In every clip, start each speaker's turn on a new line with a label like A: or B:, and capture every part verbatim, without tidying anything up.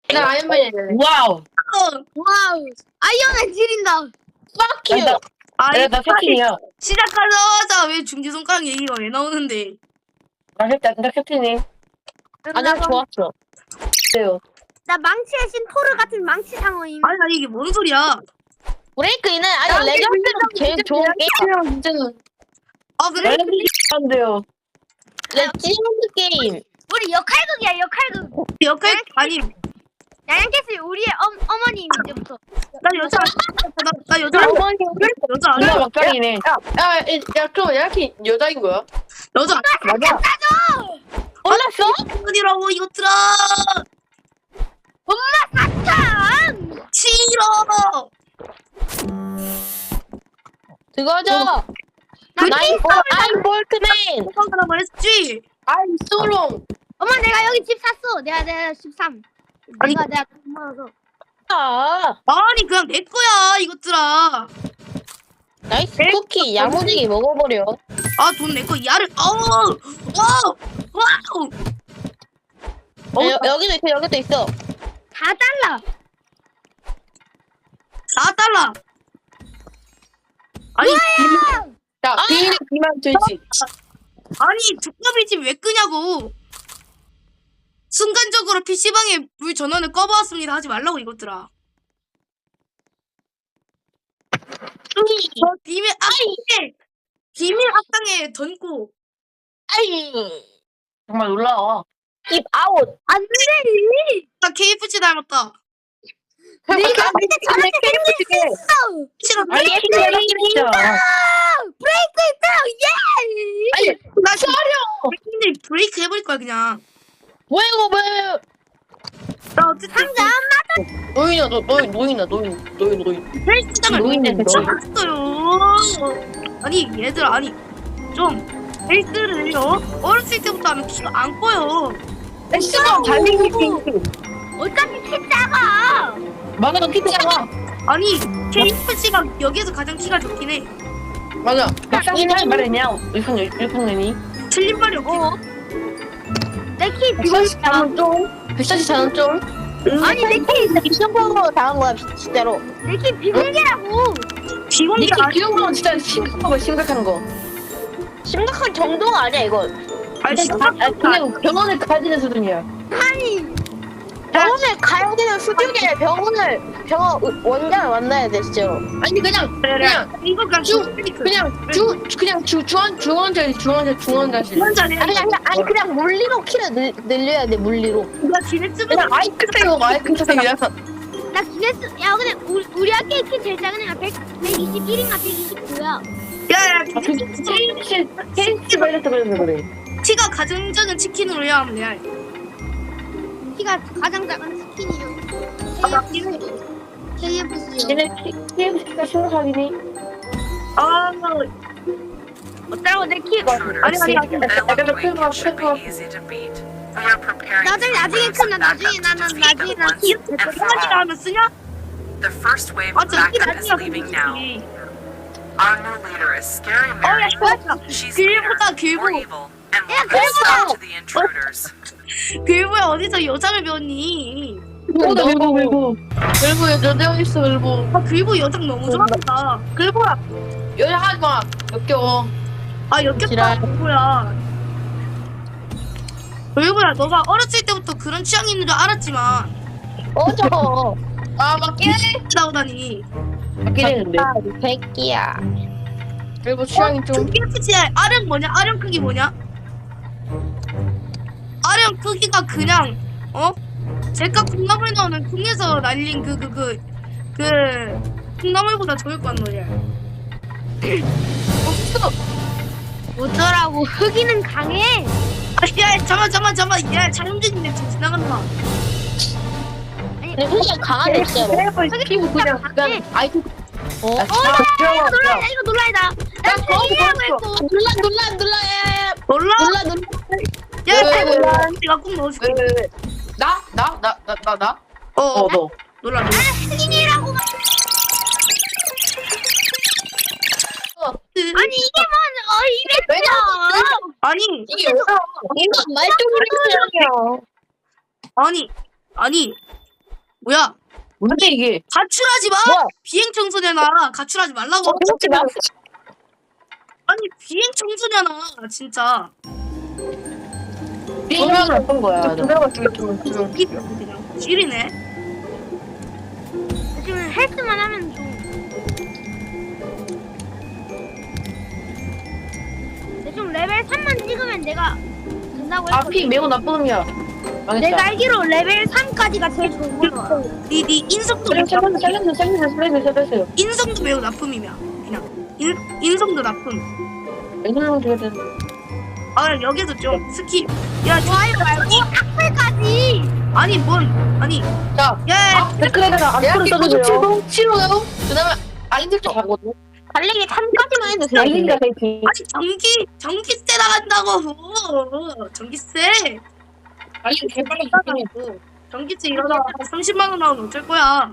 A: 나 아이언맨이야.
B: 와우.
C: 와우. 아이언맨 지린다.
B: Fuck you.
D: 나,
B: 나, 나 캡틴이야.
D: 시작하자마자 왜 중지손가락 얘기가 왜 나오는데?
B: 나 캡틴, 나 캡틴이. 아니야, 좋았어. 그래요.
C: 나 망치의 신 토르 같은 망치 상어임.
D: 아니 아니 이게 뭔 소리야?
B: 브레이크인은 아니 레전드는 제일 좋은 게임.
A: 진짜는.
D: 아 그래?
B: 안 돼요. 레전드 게임.
C: 우리 역할극이야 역할극.
D: 역할 아니
C: 양양캐슬 우리의 엄 어머님 이제부터.
D: 나 여자 나, 나 여자
B: 어머니
D: 여자
B: 누나
D: 아니야?
B: 막장이네.
A: 야, 야, 야, 그럼 이렇게 여자인 거야?
D: 여자
B: 맞아. 몰랐어?
D: 어디라고 이것들아
C: 사탕.
D: 싫어.
B: 그거죠. 나인 볼 아인 볼트맨.
D: 하라고 했지.
A: I'm so wrong.
C: 엄마 내가 여기 집 샀어. 내가 내가 십삼.
D: 아니.
C: 내가 내가 돈 모아서.
B: 아,
D: 아니 그냥 내 거야 이것들아.
B: 나이스 쿠키 야무지게 먹어버려.
D: 아 돈 내 거 야를 어우 와우 와우. 어,
B: 여, 여기도 있어, 여기도 있어.
C: 사 달러.
D: 사 달러. 아니
A: 야, 비밀 비만 되지.
D: 아니 두꺼비 집 왜 끄냐고. 순간적으로 피시방에 물 전원을 꺼보았습니다 하지 말라고 이것들아. 저 비밀 악당에 비밀 악당에 던고.
B: 아이, 정말 놀라워. 입 아웃.
C: 안 돼.
D: 나 케이에프씨 닮았다.
C: 네가 근데 저렇게 생길 수 있어.
D: 싫어.
B: 아니, 진짜.
C: 브레이크 있다. 예.
D: 아니 나 촬영. 근데 브레이크 해버릴 거야 그냥.
B: 뭐야 이거 뭐야?
D: 나 어쨌든
C: 상자
A: 노인아, 너, 노인, 노인아, 노인, 노인, 노인.
D: 헬스장을
B: 노인네,
D: 쳤어요. 아니 얘들 아니 좀 헬스를 어? 어렸을 때부터 하면 키가 안 커요.
B: 엑스가 달리기 핑크.
C: 어차피 키 작아.
B: 맞아, 피자가.
D: 아니 케이에프씨가 여기에서 가장 키가 적긴 해.
A: 맞아.
B: 막상 이날 말했냐? 일본 일본 년이.
D: 틀린 말이 없긴 해.
C: 내키
A: 백사십 자는 좀. 백사십 자는 좀.
C: 아니 내키
B: 이승범으로 당한 거야 진짜로.
C: 내키 비공개라고.
D: 비공개
A: 니키
D: 아니
A: 귀여운 건 진짜 심각한 거, 심각한 거.
B: 심각한 정도가 아니야 이건.
D: 아니
A: 아,
D: 심각한
A: 그냥 병원을 가야 되는 수준이야.
C: 아니
B: 병원을 가야 되는 수준이 아니라 병원을 병원 원장을 만나야 돼 진짜로.
A: 아니, 그냥, 그냥,
D: 이거 그냥
A: 주-
D: 주
A: 그냥, 주, 그냥 주, 중환, 중환자실, 중환자, 중환자실.
D: 기원자네.
B: 아니 아니 아니 그냥 물리로 키를 늘, 늘려야 돼 물리로.
D: 나 기네스북
A: 그냥 아이크 빼고 아이크 빼고
C: 나 기네스 야 근데 우리, 우리 학교에 키 제일 작은 애가 백, 백이십일인가 백이십구야.
D: 야야
A: 아, 그, 케이스, 케이스 걸려서 그래서 그래.
D: 키가 가장 작은 치킨으로 해야 하면 돼.
C: 키가 가장 작은 스킨이요.
D: 아 맞긴 해.
C: 케이에프씨요.
A: 얘네 케이스가 심각하긴 해.
D: 아
C: 어쩌라고 내 키.
D: 아니 아니 아니.
A: 약간 좀 클가, 클가.
C: 나중에 나중에 큰다 나중에 나는 나중에 나 키.
D: 백성원이가 하면 쓰냐?
E: The first wave
D: 아
E: of
D: 저기
E: backup is
D: 나중에
E: leaving now.
D: 솔직히.
E: Our new leader is scary
D: 어야
E: Mary.
D: 좋았다.
E: She's
D: 길보다
E: meaner, more
D: 길보.
E: evil, and
C: Yeah,
E: more hostile
C: Gilbo.
E: to the intruders.
D: 길보야 어디서 여장을 배웠니?
A: 일보, 일보, 일보. 일보, 여자 있어, 일보.
D: 아 길보 여장 너무 좋아한다.
A: 일보야. 여자 하지 마. 역겨워.
D: 아 역겹다
B: 지랄.
D: 길보야. 길보야 너가 어렸을 때부터 그런 취향이 있는 줄 알았지만
B: 어저
A: 아, 맞긴 해.
D: 나오다니.
A: 맞긴 했는데.
B: 백기야.
A: 일보 취향이 좀.
D: 케이에프씨의 아령 뭐냐? 아령 크기 뭐냐? 아령 크기가 그냥 어? 제가 콩나물 나오는 콩에서 날린 그 그 그 그 콩나물보다 적을 거란 말이야. 없어.
C: 어쩌라고 흑이는 강해.
D: 아, 야, 잠만, 잠만, 잠만. 야, 장훈진님 지금 지나간다.
B: 근데 그냥 강하네 진짜로.
A: 일보 피부 그냥, 그냥 아이크.
B: 어?
A: 아,
C: 이거 놀라이다 이거 놀라이다. 나 세기라고 했고.
B: 눌러 눌러 눌러 야,
D: 놀라?
B: 눌러 눌러.
D: 야,
A: 왜, 왜, 왜?
D: 내가 꼭 넣어줄게.
A: 왜, 왜, 왜? 나? 나? 나? 나? 나? 나?
D: 어,
A: 어,
D: 어,
A: 너.
D: 놀라, 놀라.
C: 흑인이라고. 아니 이게 뭔 어 이랬어.
D: 아니,
A: 이게 뭐야?
B: 이거 말뚝 소리야.
D: 아니, 아니. 뭐야?
A: 뭔데 이게?
D: 가출하지 마.
B: 뭐야?
D: 비행 청소년아, 가출하지 말라고.
B: 그렇지 마.
D: 아니 비행 청소년아, 진짜.
A: 비행을 어떤 거야?
B: 들어가 좀 좀.
D: 이 그냥 찔이네.
C: 지금 헬스만 하면 좀. 근데 좀 레벨 삼만 찍으면 내가 된다고 했거든.
A: 아피 매우 나쁜 놈이야.
C: 내가
A: 망했다.
C: 알기로 레벨 삼까지가 제일 좋은 거야.
D: 니, 니 인성도 매우
A: 살려주세요,
D: 나쁨.
A: 살려주세요, 살려주세요, 살려주세요, 살려주세요.
D: 인성도 매우 나쁨이야. 그냥 인 인성도 나쁨.
A: 왼손으로 줘야 되는데.
D: 아 여기도 좀 스킵. 야
C: 좋아요 말고 악플까지.
D: 아니 뭔 아니.
A: 자,
D: 야
A: 댓글에다가 앞으로 써주세요. 치료요. 그다음에 아이들 좀 가거든.
B: 달리기 삼까지만 해도 돼.
A: 알린다, 베이킹.
D: 아니 전기 전기세 나간다고. 전기세.
A: 알린 개빨리 죽긴 해.
D: 전기세 이러다 삼십만 원 나오면 어쩔 거야.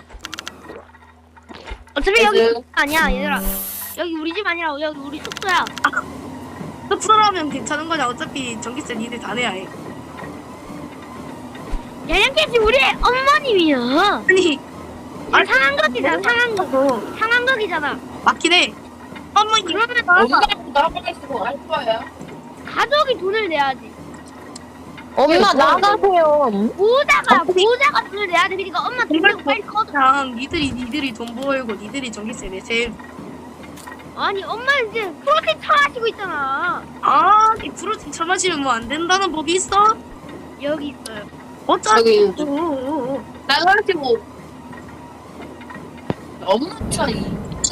C: 어차피 여기
A: 그래서-
C: 숙소 아니야 얘들아. 여기 우리 집 아니라 여기 우리 숙소야.
D: 흡수하면 괜찮은 거냐? 어차피 전기세 니들 다 내야 해.
C: 얘네께지 우리 어머님이야.
D: 아니
C: 아니 상한각이잖아 상한각.
D: 어,
C: 상한각이잖아.
D: 맞긴 해. 어머
C: 그러면
A: 엄마도 나가게 쓰고 알 거야.
C: 가족이 돈을 내야지.
B: 엄마 나가세요.
C: 보호자가 보호자가 돈을 내야 돼. 그러니까 엄마 돈 내고 빨리 꺼.
D: 그냥 니들이 니들이 돈 벌고 니들이 전기세 내세요.
C: 아니 엄마는 이제 프로틴 처하시고 있잖아.
D: 아니 프로틴 처마시면 뭐 안 된다는 법이 있어?
C: 여기 있어요.
D: 어쩌지?
A: 여기 나가시고 엄마 차이.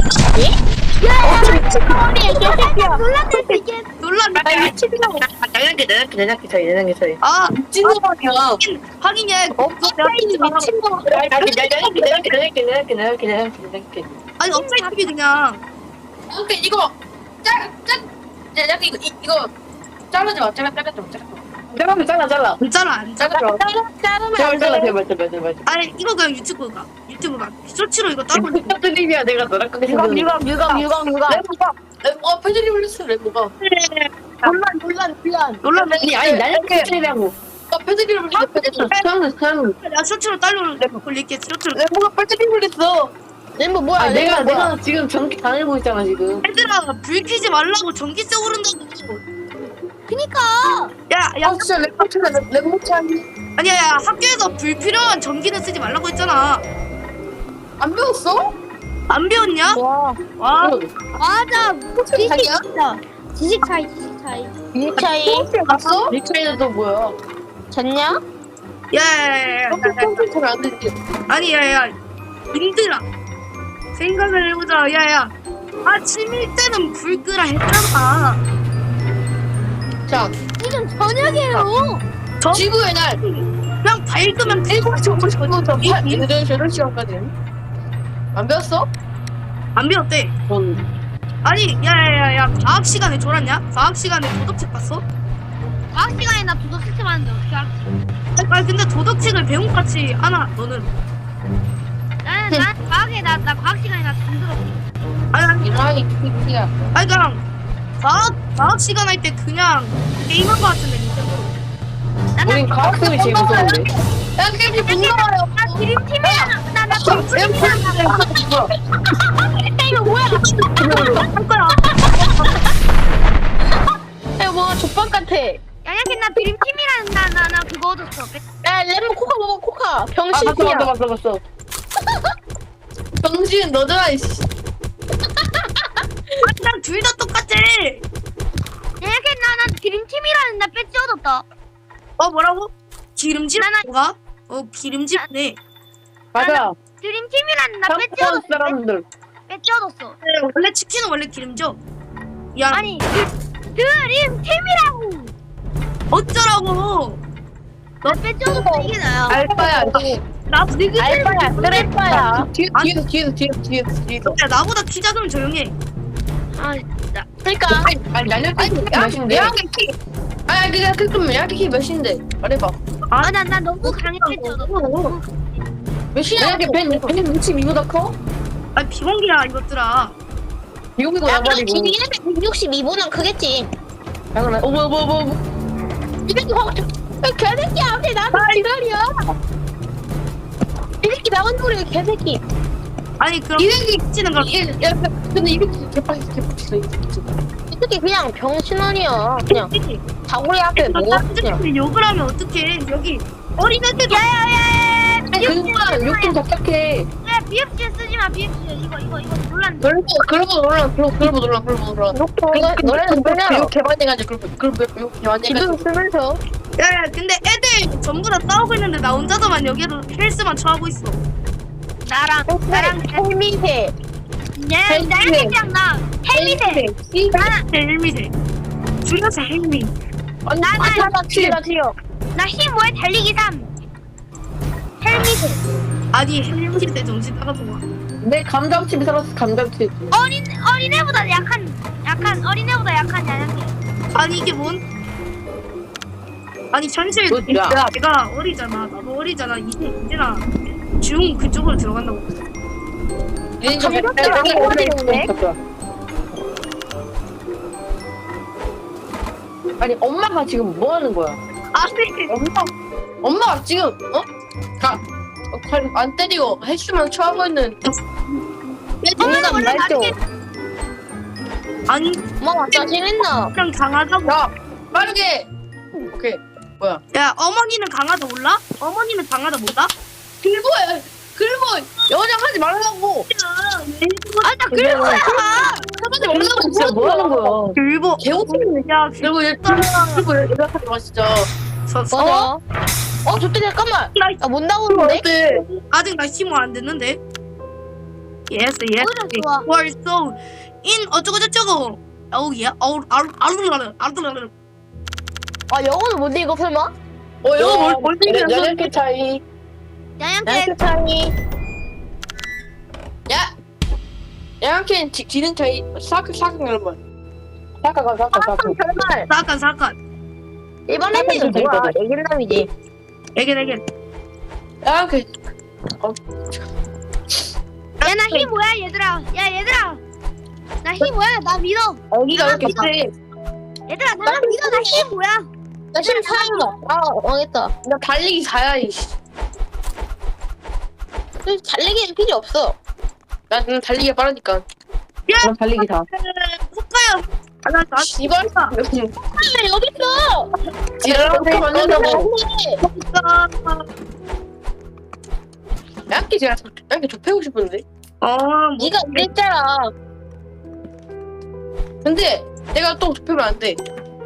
C: 놀랐네 이게.
D: 놀랐네.
A: 아, 미치겠다고. 내년기, 내년기, 내년기 차이, 내년기 차이.
D: 아
A: 미친 놈이야.
D: 하긴 얘
A: 업사이드 미친 놈. 내년기, 내년기, 내년기, 내년기, 내년기, 내년기, 내년기.
D: 아니 업사이트비 그냥
A: 오케이, 이거 짜, 짜, 내년기 이거 이- 이거 자르지 마, 잘라, 잘라, 잘라, 잘라. 잘라, 잘라, 잘라.
D: 문자를 안 짜.
A: 잘라,
B: 자르면
A: 잘라,
B: 안
A: 잘라,
B: 돼.
A: 제발, 제발, 제발.
D: 아니 이거 그냥 유튜브 가. 유튜브 가. 쇼츠로 이거 따로 올려.
A: 드립이야, 내가 너랑 크게
B: 유감 유감 유감 유감 유감.
A: 레모가, 레모가 표절이 올렸어, 레모가.
B: 논란 논란 논란.
D: 놀라면
A: 아니, 아니, 날렵게 차이라고. 아, 표절이 올렸어, 표절이. 사양은, 사양은.
D: 나 쇼츠로 따로 올릴게. 쇼츠로.
A: 레모가 표절이 올렸어.
B: 렘보 뭐야?
A: 아, 내가,
B: 렘보 뭐야?
A: 내가 지금 전기 당일고 있잖아, 지금.
D: 얘들아 불 켜지 말라고 전기세 오른다고.
C: 그니까
D: 야야
A: 아, 진짜 레모 차이, 레모 차이.
D: 아니야 야 학교에서 불필요한 전기는 쓰지 말라고 했잖아.
A: 안 배웠어?
D: 안 배웠냐?
B: 와.
D: 와
C: 맞아. 지식
A: 차이야?
C: 진짜. 지식 차이 지식 차이.
B: 밀차이
A: 갔어? 이 차이는 또 뭐야?
B: 졌냐?
D: 야야야야
A: 컴퓨터 안 되지.
D: 아니 야야 님들아 생각을 해보자. 야야 아침일 때는 불 끄라 했잖아.
A: 자,
C: 지금 저녁이에요.
D: 저
A: 지구의 날.
D: 그냥 밝으면 돼.
A: 일곱 시 오십 분부터 여덟 시, 여덟 시간까지. 안 배웠어?
D: 안 배웠대.
A: 전.
D: 아니 야야야야 과학 시간에 졸았냐? 과학 시간에 도덕책 봤어?
C: 과학 시간에 나 도덕 시점 하는데 어떻게 알았지?
D: 아니 근데 도덕책을 배운 것 같지 않아 너는.
C: 나는 난 과학에 나 나 과학 시간에 나 잠들었어.
D: 아니 아니
A: 이라이 야
D: 아니 그냥 과학 과학 시간 할 때 그냥 게임한 것 같은데 닌텐도.
A: 우린 과학생이 제일 무서운데.
B: 야 그게 무서워요.
C: 나 드림팀이야. 나나
B: 이거 뭐야?
D: 할 거야.
B: 이거 뭐 족밥 같아.
C: 양양캔 나 드림팀이라는 나나 나 그거 얻었어.
B: 야 렘보 코카 먹어 코카.
A: 아, 봤어,
B: 병신이야.
A: 봤어, 봤어, 봤어. 정신 너잖아, 이씨.
D: 난 둘 다 똑같아.
C: 양양캔 나나 드림팀이라는 나 배지 얻었다.
D: 어 뭐라고? 기름집
C: 나나-
D: 뭐가? 어 기름집네.
A: 맞아.
C: 드림팀이라는 나 배지
A: 한국
C: 얻었어.
A: 사람들.
C: 배지 얻었어.
D: 원래 치킨은 원래 기름져. 야
C: 아니 드, 드림팀이라고.
D: 어쩌라고?
C: 나 배지 얻었어. 이게 나야.
A: 알바야.
D: 나
B: 알바야 쓰레빠야.
A: 뒤에, 뒤에서, 뒤에서, 뒤에서, 뒤에서, 뒤에서.
D: 야, 나보다 키 작으면 조용해.
C: 아 진짜.
B: 그러니까
A: 아니, 아니, 날렵게 몇인데? 아니, 그냥 그럼 야키 몇인데? 말해봐.
C: 아나 나 너무 강해 배지 얻었어.
A: 몇이야? 야키 백육십이보다 커?
D: 아 비공기야 이것들아.
A: 미국이고
B: 야
A: 나발이고.
B: 기계는 백육십이보단 크겠지.
A: 당연하. 어머, 어머, 어머, 어머.
B: 이 새끼 확. 야 개새끼야 근데 나도 기다려. 이 새끼 개새끼 나간다고 개새끼.
D: 아니 그럼
A: 이렇게
D: 치는 걸
A: 이- 야, 근데 이렇게 개빡이 개빡쳤어 이거.
B: 이 새끼 그냥 병신원이야. 그냥 다구리 앞에 뭐 그냥.
D: 사람들이 욕을 하면 어떡해? 여기 어린애들
C: 야야야야
A: 그러니까 욕좀 답답해.
C: 야 비읍지 쓰지 마 비읍지 이거 이거 이거 논란
A: 그러고 그러고 놀라 그러고 그러고 놀라 그러고 놀라.
B: 너네 너네는 그냥
A: 욕 개발돼가지고 그러고 그러고 욕 개발돼가지고.
B: 지금 쓰면서
D: 야야 근데 애들 전부 다 싸우고 있는데 나 혼자서만 여기로 헬스만 처하고 있어.
C: 나랑 나랑
B: 헬미세
C: 야 나랑 그냥 나 헬미세
D: 헬미세 줄여서 헬미.
B: 나나 튀어 튀어.
C: 나 십오에 달리기 삼 헬미세
D: 아니 헬미세 때 정신 나가서 와.
A: 내 감정칩이 살았어 감정칩.
C: 어린 어린애보다 약한 약한 어린애보다 약한 야양이
D: 아니 이게 뭔? 아니 현실
A: 너, 야.
D: 내가, 내가 어리잖아. 나도 어리잖아. 이제 이제나 중 그쪽으로 들어간다고.
A: 얘는 좀
B: 감정칩 안 해야 되는데.
A: 아니 엄마가 지금 뭐 하는 거야?
D: 아니
A: 엄마 엄마가 지금 어? 가. 어, 갈- 안 때리고 헬스만 처하고 있는
C: 엄마는 원래
B: 말죠.
C: 나중에
D: 아니
B: 엄마 짜증냈나?
D: 그냥 강하다고.
A: 야 빠르게 오케이 뭐야
D: 야 어머니는 강하다 몰라? 어머니는 강하다 몰라?
A: 글보야 글보 연장하지 말라고
C: 아나 그런 거야
A: 하지 말라고 진짜 뭐 하는 거야
D: 글보
A: 개고생이네
D: 야
A: 그리고 일단 글보 연락하지 마 진짜
D: 서, 서,
B: 맞아. 어 저때 잠깐만. 나 못 나오는데?
A: 어때
D: 아직 나 심어 안 됐는데. Yes, yes.
C: 오히려 좋아.
D: You are so in 어쩌고 저쩌고. Oh yeah. Oh, 아루 아루 아루 아루.
B: 아 영어는 못 읽어 설마?
A: 어 이거 뭘 볼때는 연약의 차이
C: 야양캐
B: 나이스 차이.
A: 야 양캔 기능 차이 사각 사각 여러분 사각아 사각 사각
B: 정말
D: 사건 사건.
B: 일반 햄미는 뭐야? 애견남이지.
D: 애견 애견.
A: 양캔
C: 야나 힘 뭐야 얘들아 야 얘들아 나 힘 뭐야 나 믿어
A: 여기가 이렇게 세
C: 얘들아 나 믿어 나 힘 뭐야
B: 나 지금 사이다. 아 망했다.
A: 나 달리기 사야 이씨
B: 달리기는 필요 없어.
A: 나는 달리기가 빠르니까
D: 야,
A: 난 달리기 다
D: 국가야. 아나 나
A: 이걸
B: 아 여기 있어.
A: 지랄한테 만난다고
D: 국가.
A: 양키 제가 양키 저 패고 싶은데
D: 어, 뭐
B: 네가 이랬잖아.
A: 근데 내가 또 좁히면 안돼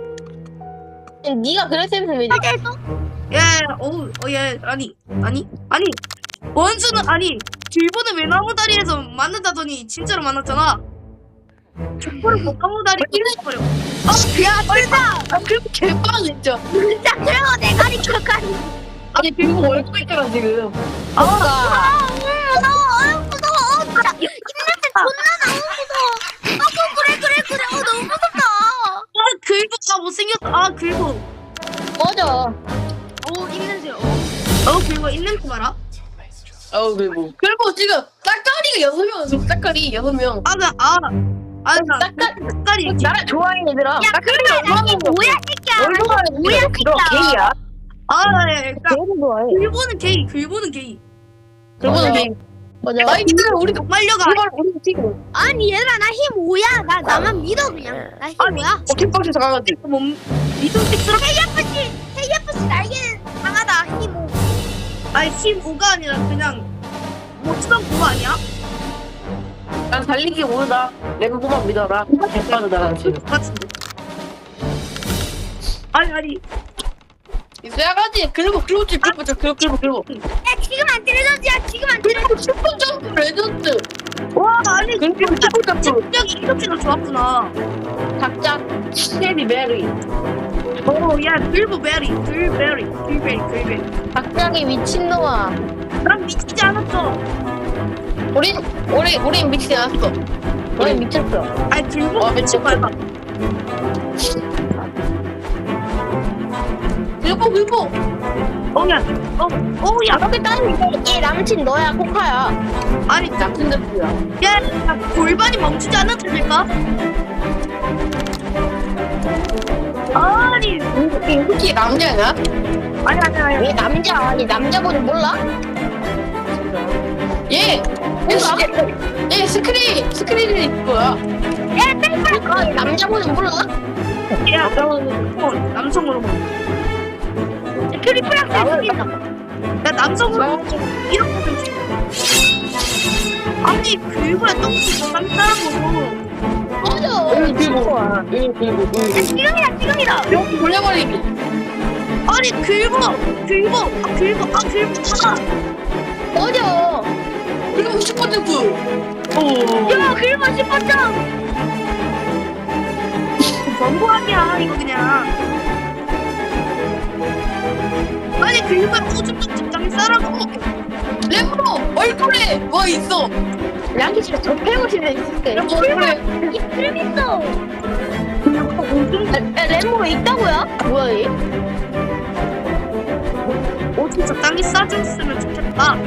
B: 네가 그랬으면 왜?
D: 예, 어우, 어, 예, 아니, 아니, 아니, 원수는 아니, 길보는 왜 나무다리에서 만난다더니 진짜로 만났잖아. 족보를 못 나무다리 버려.
A: 아 진짜 아 그리고 개빵 진짜
C: 진짜 그리고 내가리 격하니
A: 아니 그리고 얼굴 있잖아 지금
B: 아
C: 아 무서워 아 무서워 어 진짜 입냄새 존나 너무 무서워 아 그래 그래 그래 어 너무 무섭다
D: 아, 길보, 아 못생겼다. 아, 길보.
B: 맞아.
C: 어 입냄새 어
D: 어, 길보 있는 거 봐라.
A: 아우 그리고 그리고 지금 짝깔이가 여섯 명 짝깔이 여섯 명
D: 아, 나, 아, 아, 나,
B: 짝깔
D: 색깔이.
B: 나를 좋아해 얘들아.
C: 야 그래 나이 뭐야 새끼야
A: 뭐야 게이야
D: 아, 예, 그러니까
B: 걔를 좋아해.
D: 길보는 게이, 길보는 게이.
A: 그러고는 게이
B: 맞아.
A: 아니 기다려 우리
D: 말려가.
A: 정말 우리 지금
C: 아니 얘들아 나 힘 오야 나 나만 믿어 그냥 나 힘 오야
A: 어깨빵에서 강아지
D: 몸, 믿음직스럽.
C: 헤이아프씨 헤이아프씨 날개는 강하다 힘 오.
D: 아니, 힘 오가 아니라 그냥 못 쓰던 그거 아니야?
A: 난 달리기 모르다 램보만 믿어라 개빠르다 난 지금
D: 같은데. 아니, 아니.
A: 있어야가지 그리고 그리고 지 그리고 저 그리고 그리고 그리고
C: 야 지금 안 때려졌지 야 지금 안 때려
A: 그리고 슈퍼 점프 레전드
D: 와, 아니,
A: 그리고 슈퍼 점프
D: 실력이 이렇게나 좋았구나.
A: 각자 헤비 메리
D: 오, 야, 글브베리, 글베리, 글베리, 글베리.
B: 갑자기 미친놈아.
D: 난 미치지 않았어.
A: 우린 우리 우린 미치지 않았어
B: 너희 미쳤어.
D: 아니, 글브
A: 어,
D: 미친 거야.
A: 그리고 그리고
D: 어, 야, 어, 어, 야,
B: 이렇게 따지면 얘 남친 너야 코카야.
D: 아니,
A: 나쁜 놈이야
D: 야, 야, 골반이 멈추지 않아도 될까? 아니,
A: 혹시 남자냐?
D: 아니, 아니, 아니.
B: 얘 남자 아니 남자 보지 몰라?
A: 얘! 얘, 스- 얘, 얘 스크린! 스크린이 뭐야?
B: 아, 남자분은 몰라?
D: 야, 어, 남성으로 봐.
C: 트리플 악셀
D: 야, 남성으로 이렇게 되지. 아니, 그거야 똥치 딴따라고.
B: 맞아.
A: 응, 그리고, 응, 그리고, 응.
C: 지금이다 지금이다
A: 여기 돌려버리기.
D: 아니, 긁어! 긁어! 아, 긁어! 아, 긁어!
B: 맞아.
A: 그리고 슈퍼 점프. 오.
C: 야 그리고 슈퍼점
D: 너무하냐, 이거 그냥. 아니, 긁어! 오줌 좀 적당히 싸라고.
A: 램보! 얼굴에 뭐 있어?
B: 랑키 진짜 접해고 싶네, 진짜.
A: 램보 얼굴에.
C: 이 트림 있어
B: 야, 램보가 있다고요? 뭐야, 얘?
D: 오줌 적당히 싸줬으면 좋겠다.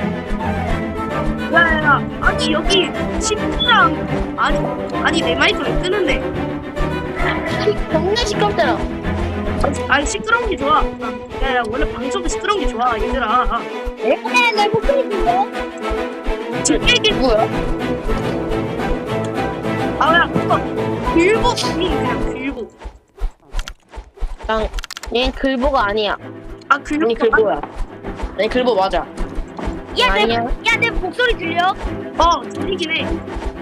D: 야야야, 아니 여기 침대랑 아니 아니 내 마이크 왜 끄는데?
B: 겁나 시끄럽잖아.
D: 아니 시끄러운 게 좋아. 야야 원래 방송은 시끄러운 게 좋아 얘들아.
C: 네, 내 목소리 들려?
D: 지금 얘기
A: 뭐야?
D: 아야 그거 글보 아니 그냥 글보.
B: 난, 얘는 글보가 아니야.
D: 아 글보
A: 아니, 글보야. 아니, 글보 맞아.
C: 야내
B: 아니야.
C: 야, 내 목소리 들려?
D: 어 들리긴 해.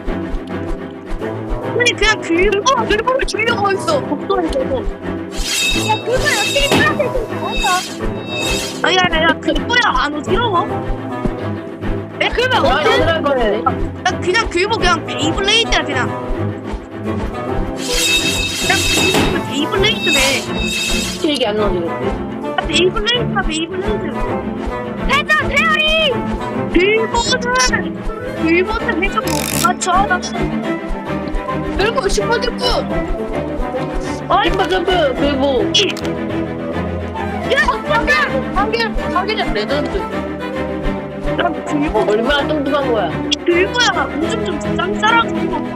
D: 아니 그냥 글보
A: 어, 글보를 주려고 했어.
D: 목소리 들고.
C: 야 그거야 트리플 악셀 좀 뭔가
D: 아야야야 글보야 안 어지러워? 에 그러면
A: 나
D: 어때?
A: 얘들아 거네.
D: 나 그냥 글보 그냥 베이블레이드야 그냥. 그냥 글보 베이블레이드네.
A: 길게 안 넣어지겠지.
D: 아, 베이블레이드야 베이블레이드.
C: 회전 페어리
D: 글보는 글보는 해적 못 맞춰. 나
A: 그리고 슈퍼 점프.
D: 어이
A: 슈퍼 점프. 글보.
D: 이
A: 한개 한개는 레전드.
D: 난 글보
A: 얼마나 뚱뚱한 거야?
D: 글보야 오줌 좀 적당히 싸라고.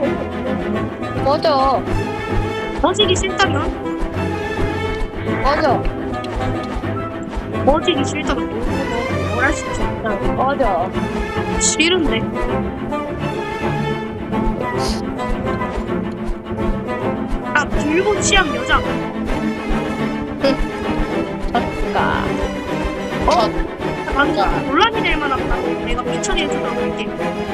B: 맞아.
D: 머지기 싫다면
B: 맞아.
D: 머지기 싫다면 뭐, 뭘 할 수 있어.
B: 맞아.
D: 싫은데. 아 글보 취향 여자.
B: 아까.
A: 어.
D: 방금 논란이 될 만한 거 내가 피처리 해주도록 할게.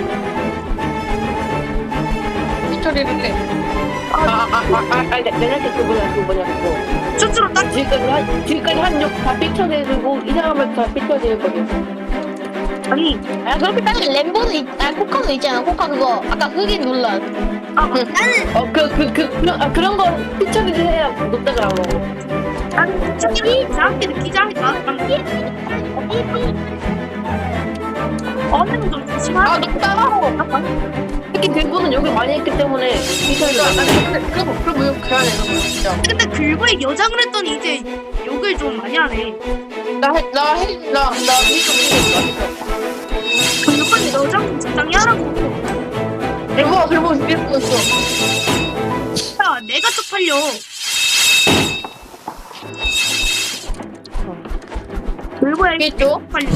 A: 피처리를 해. 아, 아, 아, 아, 아, 내한테 그 뭐냐, 그 뭐냐, 그거.
D: 스스로 딱
A: 지금까지 한, 지금까지 한욕다 삐쳐내주고, 이상하면 다 삐쳐낼 거든.
D: 아니
B: 아, 그렇게 따지면 램보도 있, 아, 코카도 있잖아. 코카 그거. 아까 흑인 논란.
D: 아
A: 나는. 어, 그, 그, 그, 그런, 아, 그런 거 삐쳐내를 해야 높다고 하고.
D: 나는 피처리 이상하게 느끼지 않을까? 어느 좀 조심하자.
A: 아, 높다! 특히 글보는 욕을 많이 했기 때문에, 삐쳐내를 많이 했어. 그럼, 그럼 욕 그래야 되는 거야, 진짜.
D: 근데 글보에 여장을 했더니 이제 욕을 좀 많이 하네.
A: 나 해, 나 해, 나, 나 미쳐, 미쳐,
D: 글보에 여장 좀 적당히 하라고.
A: 글보가 글보 죽겠어.
D: 야, 내가 쪽팔려. 글보에
A: 알겠죠?
D: 쪽팔려.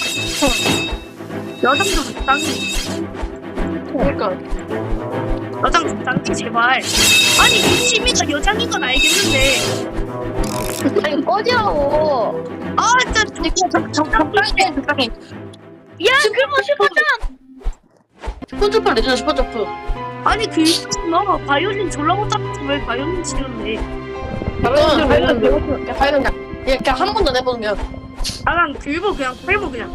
D: 여장 좀 적당히.
A: 그러니까.
D: 여장 적당히 제발. 아니 이 취미가 여장인 건 알겠는데.
B: 아니, 꺼지라고.
D: 아 진짜 좀
A: 적당히 해, 적당히.
C: 야 그리고 슈퍼점
A: 슈퍼점프 레전드 슈퍼점프.
D: 아니 글보 너 바이올린 졸라 못하면서 왜 바이올린 치는데?
A: 이건 발견 배웠어. 발견 그냥 그냥 한 번도 내보면.
D: 나랑 글보 그냥 팔보 그냥.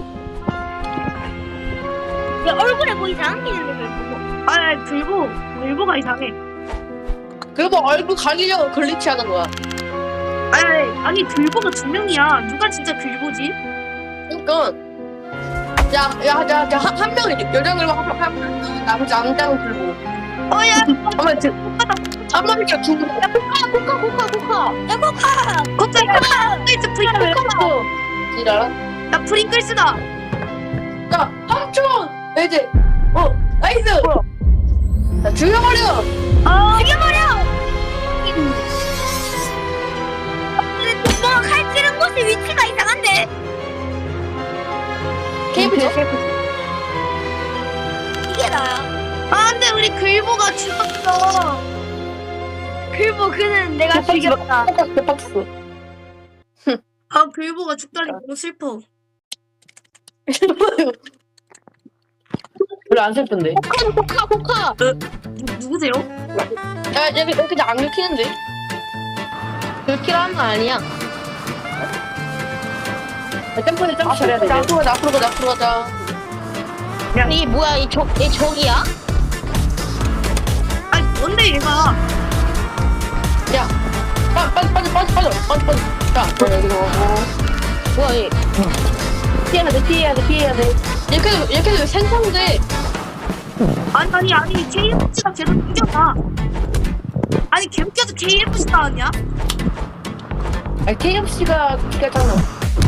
C: 야 얼굴에 뭐 이상한 게 있는데 왜 보고
D: 아 글보 글보가 이상해.
A: 그리고 얼굴 가리려고 글리치 하는 거야.
D: 아니 아니 글보가 두 명이야. 누가 진짜 글보지?
A: 그러니까 야야야한 명이 여자 글보 한명 나머지 남자는 글보.
D: 어야
A: 아마 지 한 마리가 두 명.
B: 야, 코카, 코카, 코카, 코카.
C: 야 코카
D: 코카 프링글스 프링글.
A: 코카도 지라.
D: 나 프링글스다.
A: 야 삼촌 이제 어 나이스. 자 죽여버려.
D: 아
C: 죽여버려 근데 뭔가 칼 찌른 곳의 위치가 이상한데
A: 케이블 케이블.
C: 죽였어. 글보 그는 내가 죽였다.
A: 대박쳤어.
D: 아 글보가 죽다니 너무 슬퍼.
A: 별로 안 슬픈데.
B: 코카 코카.
D: 누, 누구세요?
B: 야 여기 여기 그냥 안 긁히는데? 긁히라는 거 아니야.
A: 점프는 점프 잘해야 돼.
B: 앞으로 가자 앞으로 가자 앞으로 가자.
D: 야.
B: 이게 뭐야 이적이 적이야?
D: 아니 뭔데 얘가?
A: 야, 빠, 빠져, 빠져, 빠져, 빠져, 빠져, 빠져. 자, 여기서 가고.
B: 뭐야 얘?
A: 피해야 돼, 피해야 돼, 피해야 돼.
B: 이렇게 해도 이렇게 해도 생성돼.
D: 아니 아니 아니 케이에프씨가 계속 이겨봐. 아니 개웃겨서 케이에프씨 나왔냐?
A: 아니, 케이에프씨가 기가잖아.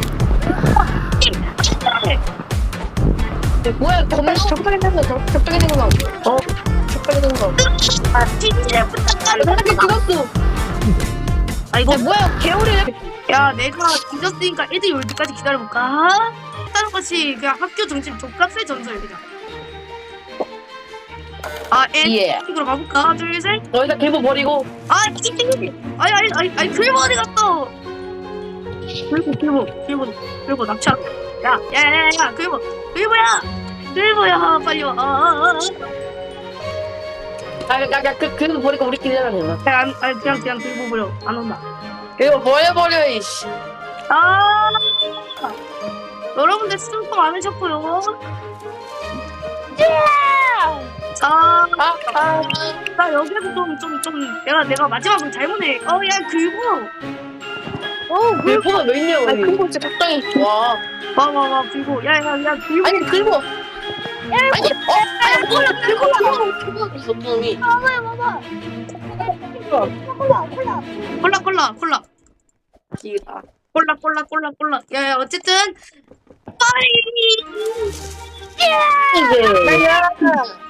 B: 뭐야 겁나
A: 적당히 되는 거, 적- 적당히 되는 거. 어, 적당히 되는 거.
D: 아 진짜 부탁하는
A: 사람이 죽었어.
D: 아 이거
B: 야, 뭐야 개울이
D: 야 내가 뒤졌으니까 애들이 올 때까지 기다려볼까? 다른 것이 그냥 학교 점심 족값의 전설 그냥. 아
A: 예.
D: 엔딩으로 가볼까? 하나 둘셋.
A: 너희가 개보 버리고.
D: 아 이띵이 아니 아니 아니 아니 글보 어디 갔어? 글보 글보 글보 글보 납치. 야야야야 글보 글보야 글보야 빨리 와. 아, 아, 아.
A: 아, 야, 야, 그, 그 버리고 우리끼리 해야 되나?
D: 야, 안, 아니 그냥 그냥 글보 버려 안 온다.
A: 이거 버려버려, 이씨.
D: 아 여러분들 수고 많으셨고요. 자,
A: 아, 아.
D: 나 여기서 좀 좀 좀 내가 내가 마지막으로 잘못해. 어야 글보. 어
A: 왜 보가 왜 있냐고.
B: 아니 그거 진짜 적당히.
A: 와.
D: 와와와 글보. 야야야 글보.
A: 아니, 긁어. 아니, 어, 아니, 뭐야, 긁어. 있어, 놈이.
C: 먹어요 먹어. 콜라 콜라.
D: 콜라 콜라 콜라
A: 기가.
D: 콜라 콜라 콜라 콜라. 야야 어쨌든 빠이.
A: 이제.